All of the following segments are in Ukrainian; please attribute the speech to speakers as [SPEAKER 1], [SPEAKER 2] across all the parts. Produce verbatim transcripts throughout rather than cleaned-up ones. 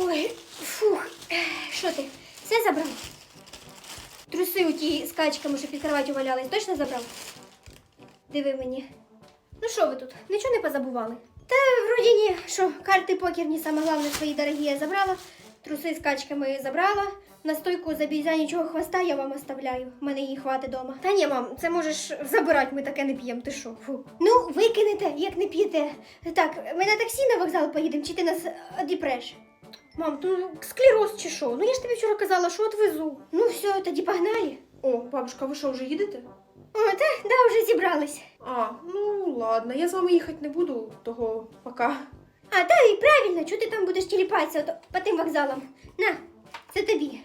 [SPEAKER 1] Ой, фух, що ти? Все забрав? Труси у ті з качками, що під кроваттю валялись, точно забрав? Диви мені. Ну що ви тут? Нічого не позабували? Та вроді ні, що карти покерні, саме головне, свої дорогі я забрала, труси з качками забрала, настойку за бізянічого хвоста я вам оставляю, в мене її хватить дома. Та ні, мам, це можеш забирати, ми таке не п'ємо, ти що? Фу. Ну, викинете, як не п'єте. Так, ми на таксі на вокзал поїдемо, чи ти нас одіпреш? Мам, ну склероз чи що? Ну я ж тобі вчора казала, що отвезу. Ну все, тоді погнали.
[SPEAKER 2] О, бабушка, ви що, вже їдете?
[SPEAKER 1] О, так, да, вже зібрались.
[SPEAKER 2] А, ну ладно, я з вами їхати не буду, того пока.
[SPEAKER 1] А, та і правильно, чого ти там будеш тіліпатися ото по тим вокзалам? На, це тобі.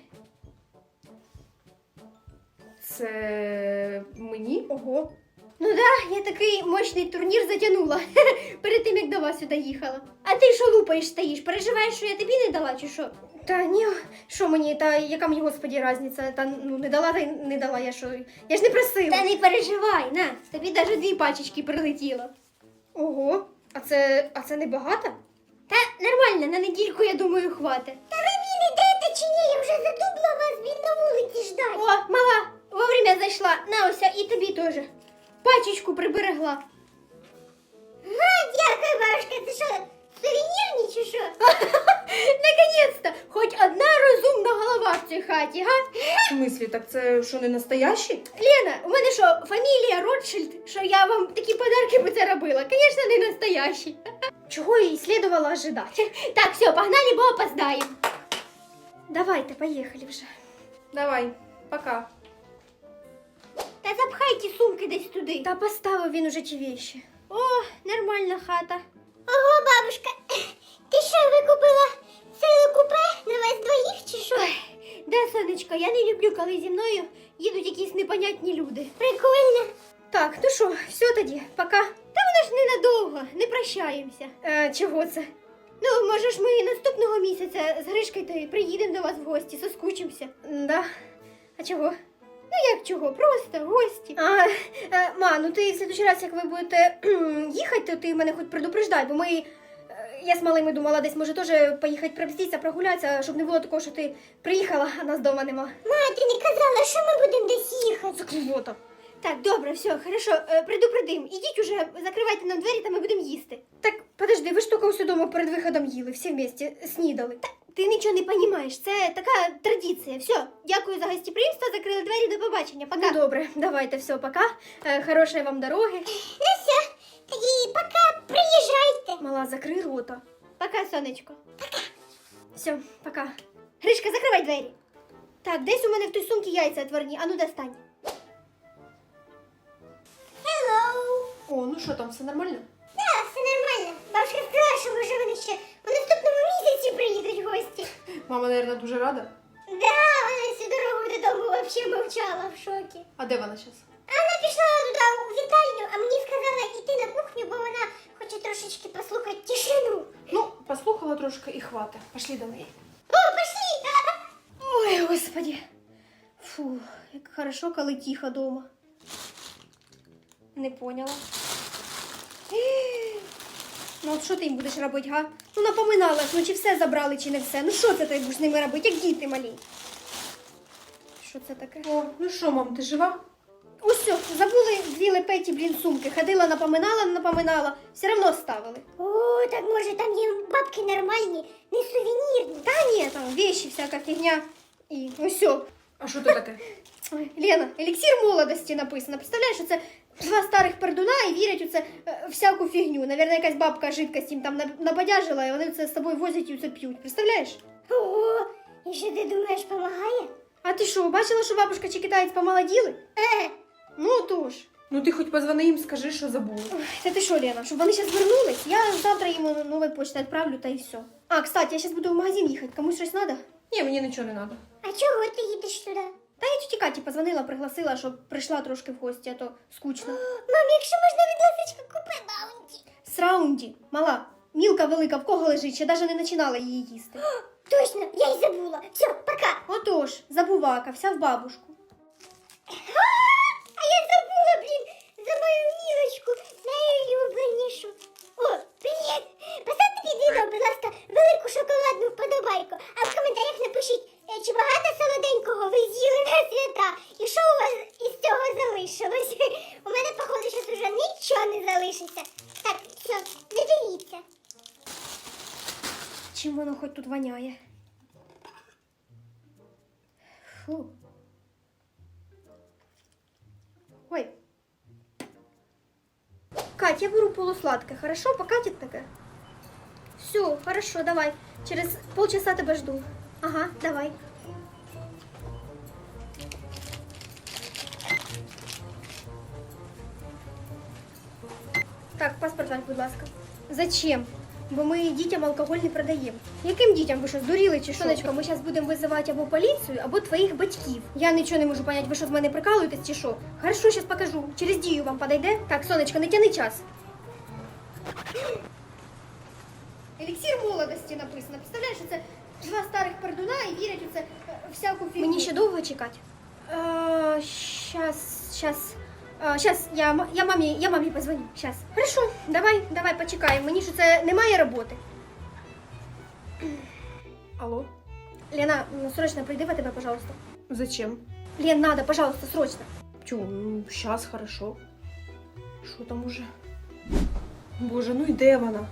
[SPEAKER 2] Це мені? Ого.
[SPEAKER 1] Ну да, я такий мощний турнір затягнула перед тим, як до вас сюди їхала. А ти що лупаєш стоїш? Переживаєш, що я тобі не дала, чи що? Та ні, що мені, та яка мені, господі, різниця? Та ну не дала, та й не дала, я що? Я ж не просила. Та не переживай, на, тобі навіть дві пачечки прилетіло.
[SPEAKER 2] Ого, а це, а це не багато?
[SPEAKER 1] Та нормально, на недільку, я думаю, хватить. Та ви мені йдете чи ні? Я вже задубла вас, він на вулиці ждать. О, мала, вовремя зайшла. На, ось, і тобі теж. Пачечку приберегла. Га, дякую, бабушка, це що, сувенірні чи що? Наконець-то, хоч одна розумна голова в цій хаті, га?
[SPEAKER 2] В смислі, так це що, не настоящі?
[SPEAKER 1] Лена, у мене що, фамілія Ротшильд, що я вам такі подарки би це робила? Звісно, не настоящі. Чого і слідувало ожидати. Так, все, погнали, бо опоздаємо. Давайте, поїхали вже.
[SPEAKER 2] Давай, пока.
[SPEAKER 1] Та запхай ті сумки десь туди. Та поставив він уже ті вещи. О, нормальна хата. Ого, бабушка, ти що, викупила ціле купе на вас двоїх чи що? Ой, да, сонечко, я не люблю, коли зі мною їдуть якісь непонятні люди. Прикольно. Так, ну що, все тоді, пока. Та воно ж ненадовго, не прощаємося. Е, чого це? Ну, може ж ми наступного місяця з Гришкою то й приїдемо до вас в гості, соскучимося. Да. А чого? Ну як чого, просто гості. А, е, ма, ну ти в следующий раз, як ви будете їхати, то ти мене хоч предупреждай, бо ми, е, я з малими думала десь, може теж поїхати пробститися, прогулятися, щоб не було такого, що ти приїхала, а нас вдома нема. Ма, ти не казала, що ми будемо десь їхати.
[SPEAKER 2] Заклювота.
[SPEAKER 1] Так, добре, все, хорошо, е, предупредим. Ідіть уже, закривайте нам двері, та ми будемо їсти. Так, подожди, ви ж тільки усю дома перед виходом їли, всі вместе, снідали. Та, ти нічого не розумієш, це така традиція. Все, дякую за гостеприимство, закрили двері, до побачення, пока. Ну, добре, давайте, все, пока. Е, хорошої вам дороги. Ну все, тоді пока, приїжджайте. Мала, закрий рота. Пока, сонечко. Пока. Все, пока. Гришка, закривай двері. Так, десь у мене в той сумці яйця отварні, а ну достань.
[SPEAKER 2] О, ну що там, все нормально?
[SPEAKER 1] Так, все нормально. Бабушка сказала, що може вони ще у наступному місяці приїдуть гості.
[SPEAKER 2] Мама, мабуть, дуже рада.
[SPEAKER 1] Да, вона всю дорогу додому взагалі мовчала в шокі.
[SPEAKER 2] А де вона зараз?
[SPEAKER 1] А вона пішла туди у вітальню, а мені сказала йти на кухню, бо вона хоче трошечки послухати тишину.
[SPEAKER 2] Ну, послухала трошки і хвата. Пошли до неї.
[SPEAKER 1] О, пошли! Ой, господи. Фу, як хорошо, коли тихо дома. Не поняла. Ну от що ти їм будеш робити, га? Ну напоминала ж, ну чи все забрали, чи не все. Ну що це ти будеш з ними робити, як діти малі? Що це таке?
[SPEAKER 2] О, ну що, мам, ти жива?
[SPEAKER 1] Ось все, забули дві лепеті, блін, сумки. Ходила, напоминала, напоминала. Все одно ставили. О, так може там є бабки нормальні, не сувенірні. Та ні, там вещи, всяка фігня. І ось все.
[SPEAKER 2] А що це таке?
[SPEAKER 1] Ой, Лена, еліксир молодості написано. Представляєш, що це два старих пердуна і вірять у це е, всяку фігню. Навірно, якась бабка жидкость їм там набадяжила, і вони це з собою возять і це п'ють. Представляєш? Ого, і що ти думаєш, допомагає? А ти що, бачила, що бабушка чи китаєць помолоділи? Е, ну тож.
[SPEAKER 2] Ну ти хоч позвони їм, скажи, що забула.
[SPEAKER 1] Ой, та ти що, Лена, щоб вони зараз вернулись, я завтра їм нову почту відправлю, та і все. А, кстати, я зараз буду в магазин їхати, комусь щось треба?
[SPEAKER 2] Ні, мені нічого не треба.
[SPEAKER 1] А чого ти їдеш туди? Та я тіті Каті позвонила, пригласила, щоб прийшла трошки в гості, а то скучно. Мам, якщо можна від ласочка, купи баунті. Сраунді, мала, мілка велика, в кого лежить, ще навіть не починала її їсти. О, точно, я й забула. Все, пока. Отож, забувака, вся в бабушку. А я забула, блін, за мою мілочку, найулюбленішу. О, привіт. Поставте під відео, будь ласка, велику шоколадну вподобайку. все, не дивіться.
[SPEAKER 3] Чим воно хоч тут воняє? Фу. Ой. Кать, я беру полусладкое, хорошо? Покатит таке? Все, хорошо, давай. Через полчаса тебя жду. Ага, давай. Так, паспорт ваш, будь ласка. Зачем? Бо ми дітям алкоголь не продаємо. Яким дітям? Ви що, здуріли чи що? Сонечко, ми зараз будемо визивати або поліцію, або твоїх батьків. Я нічого не можу поняти, ви що з мене прикалуєтесь чи що? Хорошо, зараз покажу. Через дію вам подойде? Так, сонечко, не тяни час. Еліксир молодості написано. Представляєш, це два старих пердуна і вірять у це е, всяку фігню. Мені ще довго чекати? Е, щас, щас. А, щас, я, м- я мамі, я мамі позвоню. Щас. Хорошо, давай, давай, почекаємо. Мені що це немає роботи.
[SPEAKER 2] Алло?
[SPEAKER 3] Лена, ну, срочно прийди в тебе, пожалуйста.
[SPEAKER 2] Зачем?
[SPEAKER 3] Лен, надо, пожалуйста, срочно.
[SPEAKER 2] Чё, ну, сейчас хорошо. Що там уже? Боже, ну і де вона?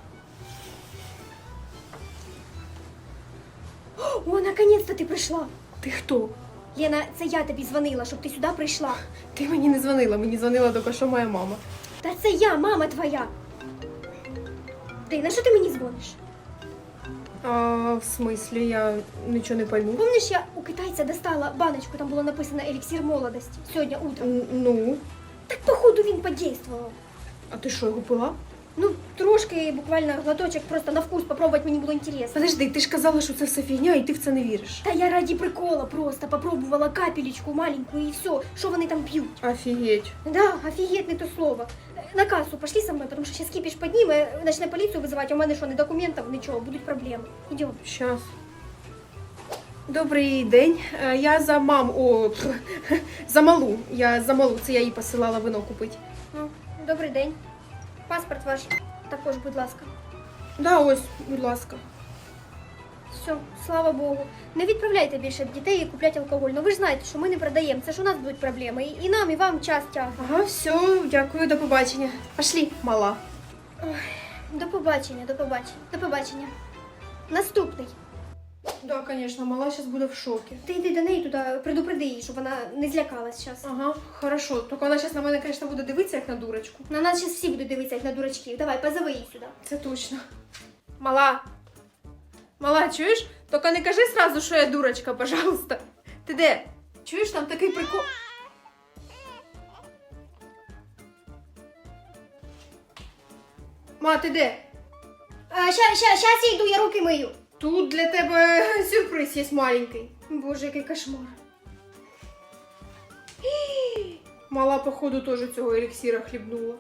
[SPEAKER 3] О, наконец-то ти прийшла.
[SPEAKER 2] Ти хто?
[SPEAKER 3] Лена, це я тобі дзвонила, щоб ти сюди прийшла.
[SPEAKER 2] Ти мені не дзвонила, мені дзвонила тільки що моя мама.
[SPEAKER 3] Та це я, мама твоя. Ти, на що ти мені дзвониш?
[SPEAKER 2] А, в смислі, я нічого не пойму.
[SPEAKER 3] Помниш, я у китайця достала баночку, там було написано еліксир молодості. Сьогодні утром.
[SPEAKER 2] Н- Ну,
[SPEAKER 3] Так, походу, він подействував.
[SPEAKER 2] а ти що, його пила?
[SPEAKER 3] Ну, трошки, буквально глоточок, просто на вкус попробувати мені було інтересно.
[SPEAKER 2] Подожди, ти ж казала, що це все фігня, і ти в це не віриш.
[SPEAKER 3] Та я раді прикола просто попробувала капелечку маленьку і все, що вони там п'ють.
[SPEAKER 2] Офігеть.
[SPEAKER 3] Да, офігеть, не то слово. На кассу пошли со мной, потому что сейчас кипиш подніме, начне поліцію визивати, а у мене що, ні документів, нічого, будуть проблеми. Идем.
[SPEAKER 2] Щас. Добрий день. Е, Я за мам. О, пф, за малу. Я за малу. Це я їй посилала вино купити.
[SPEAKER 3] Ну, добрий день. Паспорт ваш також, будь ласка.
[SPEAKER 2] Да, ось, будь ласка.
[SPEAKER 3] Все, слава Богу. Не відправляйте більше дітей купляти алкоголь. Ну ви ж знаєте, що ми не продаємо. Це ж у нас будуть проблеми. І, і нам, і вам час тягне.
[SPEAKER 2] Ага, все, дякую, до побачення. Пошли, мала.
[SPEAKER 3] До побачення, до побачення, до побачення. Наступний.
[SPEAKER 2] Да, конечно, мала зараз буде в шокі.
[SPEAKER 3] Ти йди до неї туди, предупреди її, щоб вона не злякалась зараз.
[SPEAKER 2] Ага, хорошо. Тільки вона зараз на мене, звісно, буде дивитися, як на дурочку.
[SPEAKER 3] На нас зараз всі будуть дивитися, як на дурачків. Давай, позови її сюди.
[SPEAKER 2] Це точно. Мала. Мала, чуєш? Тільки не кажи сразу, що я дурочка, пожалуйста. Ти де? Чуєш, там такий прикол. Ма, ти де?
[SPEAKER 3] А, ща, ща, щас я йду, я руки мию.
[SPEAKER 2] Тут для тебе сюрприз є маленький.
[SPEAKER 3] Боже, який кошмар.
[SPEAKER 2] Мала, походу, теж цього еліксира хлібнула.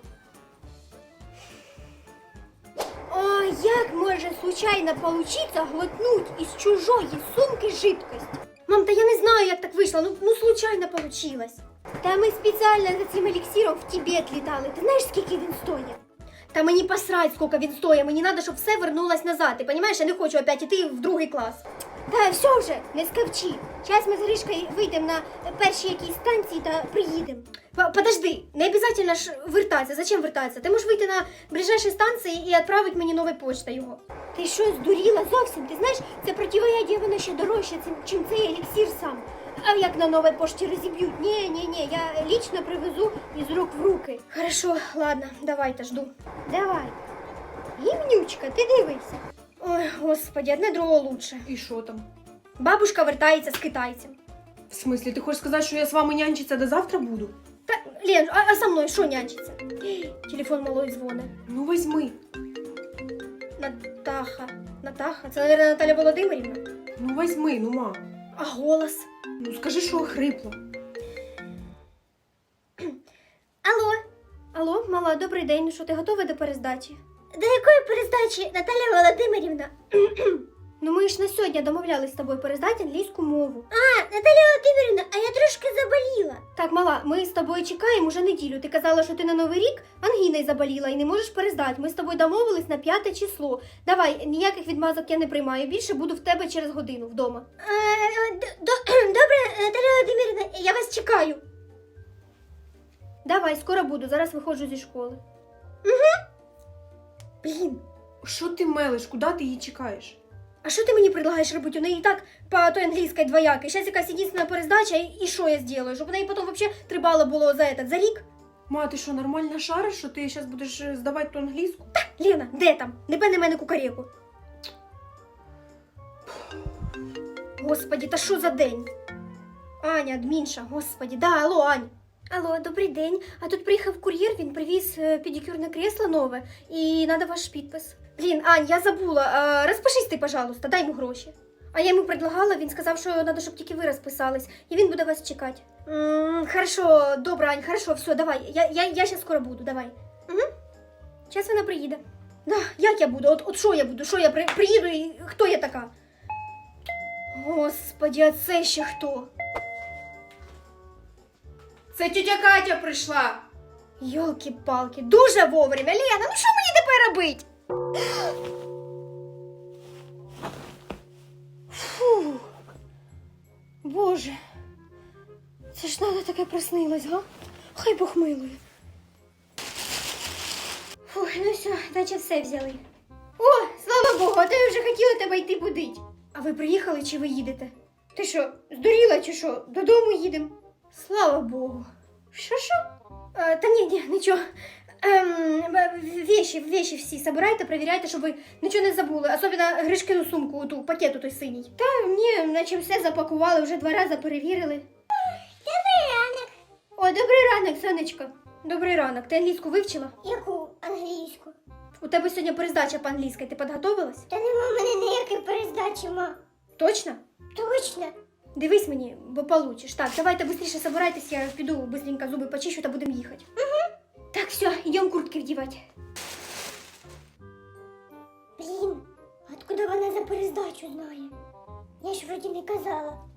[SPEAKER 3] О, як може случайно получиться глотнуть із чужої сумки жидкость? Мам, та я не знаю, як так вийшло. Ну, ну случайно получилось. Та ми спеціально за цим еліксиром в Тибет літали. Ти знаєш, скільки він стоїть? Та мені посрать, скільки він стоїть. Мені треба, щоб все вернулось назад. Ти розумієш, я не хочу опять іти в другий клас. Та все вже, не скавчи. Зараз ми з Гришкою вийдемо на першій якійсь станції та приїдемо. П- Подожди, не обов'язково ж вертатися. Зачем вертатися? Ти можеш вийти на ближайшій станції і відправити мені новою почтою його. Ти що, здуріла зовсім? Ти знаєш, це противоядие воно ще дорожче, чим цей еліксир сам. А як на новій пошті розіб'ють? Ні, ні, ні, я лично привезу із рук в руки. Хорошо, ладно, давайте, жду. Давай. Гімнючка, ти дивися. Ой, господи, одне другого лучше.
[SPEAKER 2] І що там?
[SPEAKER 3] Бабушка вертається з китайцем.
[SPEAKER 2] В смислі, ти хочеш сказати, що я з вами нянчиться до завтра буду?
[SPEAKER 3] Та, Лен, а, а со мною що нянчиться? Телефон малої дзвони.
[SPEAKER 2] Ну, візьми.
[SPEAKER 3] Натаха. Натаха? Це, мабуть, Наталя Володимирівна?
[SPEAKER 2] Ну, візьми, ну, ма.
[SPEAKER 3] А голос?
[SPEAKER 2] Ну, скажи, що охрипла.
[SPEAKER 3] Алло. Алло, мала, добрий день. Ну що, ти готова до перездачі? До якої перездачі, Наталя Володимирівна? Ну ми ж на сьогодні домовлялись з тобою перездати англійську мову. А, Наталя Володимирівна, а я трошки заболіла. Так, мала, ми з тобою чекаємо уже неділю. Ти казала, що ти на Новий рік ангіною заболіла і не можеш перездати. Ми з тобою домовились на п'яте число. Давай, ніяких відмазок я не приймаю. Більше буду в тебе через годину вдома. Добре, Наталя Володимирівна, я вас чекаю. Давай, скоро буду, зараз виходжу зі школи. Угу. Блін,
[SPEAKER 2] Що ти мелиш? Куди ти її чекаєш?
[SPEAKER 3] а що ти мені предлагаєш робити? У неї і так по той англійській двоякій. Зараз якась єдина перездача, і, і що я зроблю? Щоб у неї потім взагалі три бали було за этот, за рік?
[SPEAKER 2] Ма, ти що, нормально шариш, що ти зараз будеш е, здавати ту англійську?
[SPEAKER 3] Лена, де там? Не пене мене кукареку. Господі, та що за день? Аня, адмінша, господі, да, алло, Ань. Алло, добрий день. А тут приїхав кур'єр, він привіз е, педикюрне кресло нове, і надо ваш підпис. Блін, Ань, я забула. Е, розпишись ти, пожалуйста, дай йому гроші. А я йому предлагала, він сказав, що треба, щоб тільки ви розписались, і він буде вас чекати. М, хорошо, добре, Ань, хорошо, все, давай. Я, я, я зараз скоро буду, давай. Угу. Зараз вона приїде. Да, як я буду? От, от що я буду? Що я при, приїду і хто я така? Господи, а це ще хто?
[SPEAKER 2] Це тітя Катя прийшла.
[SPEAKER 3] Йолки-палки, дуже вовремя. Лена, ну що мені тепер робить? Фу. Боже. Це ж надо таке приснилось, га? Хай Бог милує. Фух, ну все, наче все взяли. О, слава Богу, а то я вже хотіла тебе йти будить. А ви приїхали чи ви їдете? Ти що, здуріла чи що? Додому їдемо? Слава Богу. Що, що? Е, та ні, ні, нічого. Ем, вещи, вещи всі собирайте, перевіряйте, щоб ви нічого не забули. Особливо Гришкину сумку, ту пакету той синій. Та ні, наче все запакували, вже два рази перевірили.
[SPEAKER 1] Добрий ранок.
[SPEAKER 3] О, добрий ранок, сонечко. Добрий ранок. Ти англійську вивчила?
[SPEAKER 1] Яку англійську?
[SPEAKER 3] У тебе сьогодні перездача по-англійськи. Ти підготовилась?
[SPEAKER 1] Та нема в мене ніякої перездачі, ма.
[SPEAKER 3] Точно?
[SPEAKER 1] Точно.
[SPEAKER 3] Дивись мені, бо получиш. Так, давайте швидше собирайтесь, я піду быстренько зуби почищу та будемо їхати. Угу. Так, все, йдемо куртки вдівати.
[SPEAKER 1] Блін, откуда вона за перездачу знає? Я ж вроді не казала.